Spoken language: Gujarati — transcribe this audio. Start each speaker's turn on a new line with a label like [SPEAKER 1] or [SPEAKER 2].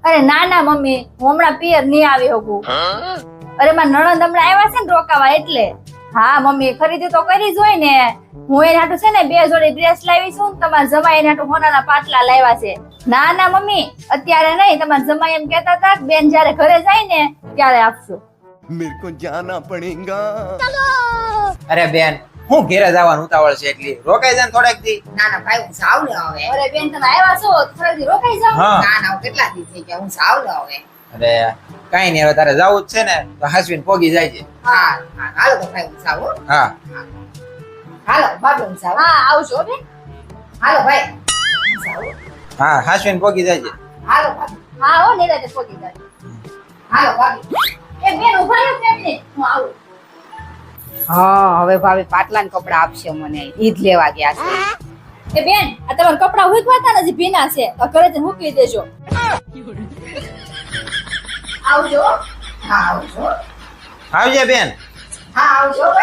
[SPEAKER 1] અરે ના ના મમ્મી, હું હમણાં પિયર નહીં આવી શકું. અરે મારા નણંદ હમણાં આવ્યા છે ને રોકાવા એટલે. હા મમ્મી, ખરીદી તો કરી જ હોય ને. હું એના હાટુ છે ને 2 જોડી ડ્રેસ લાવી છું. તમારા જમાઈ એના હાટુ હોનાના પાટલા લાવ્યા છે. ના ના મમ્મી, અત્યારે નહીં. તમારા જમાઈ એમ કહેતા હતા કે બેન જ્યારે ઘરે જાય ને ત્યારે આપશો.
[SPEAKER 2] मेरे को जाना पड़ेगा.
[SPEAKER 3] અરે બેન, હું ઘેરે જવાનું ઉતાવળ છે એટલી રોકાઈ જાય ને થોડાક દી.
[SPEAKER 4] ના ના ભાઈ હું સાવ લે હવે.
[SPEAKER 1] અરે બેન, તમે આવ્યા છો થોડી રોકાઈ જાઓ.
[SPEAKER 3] હા
[SPEAKER 4] ના ના હું કેટલા દી થઈ ગયા હું સાવ લે હવે.
[SPEAKER 3] અરે કઈ નહીં, હવે તારે જવું જ છે ને તો હાસવીને પોગી જાય છે.
[SPEAKER 4] હા હા હાલો તો ભાઈ હું સાવ હો.
[SPEAKER 3] હા
[SPEAKER 4] હાલો ભાભી હું સાવ.
[SPEAKER 1] હા આવજો બેન.
[SPEAKER 4] હાલો ભાઈ હું સાવ.
[SPEAKER 3] હા હાસવીને પોગી જાય છે.
[SPEAKER 4] હાલો ભાભી.
[SPEAKER 1] હા હો નિરાતે પોગી જાય.
[SPEAKER 4] હાલો ભાભી.
[SPEAKER 1] એ બેન ઉભા રહો કેમ નહીં, હું આવું.
[SPEAKER 4] હા હવે ભાભી પાટલા ને કપડા આપશે મને ઈ જ લેવા ગયા છે.
[SPEAKER 1] એ બેન, આ તમારા કપડા હુકવાતા નથી, ભીના છે. તો ઘરે જઈને મૂકી દેજો. આવજો.
[SPEAKER 4] હા આવજો.
[SPEAKER 3] આવજે બેન.
[SPEAKER 4] હા આવજો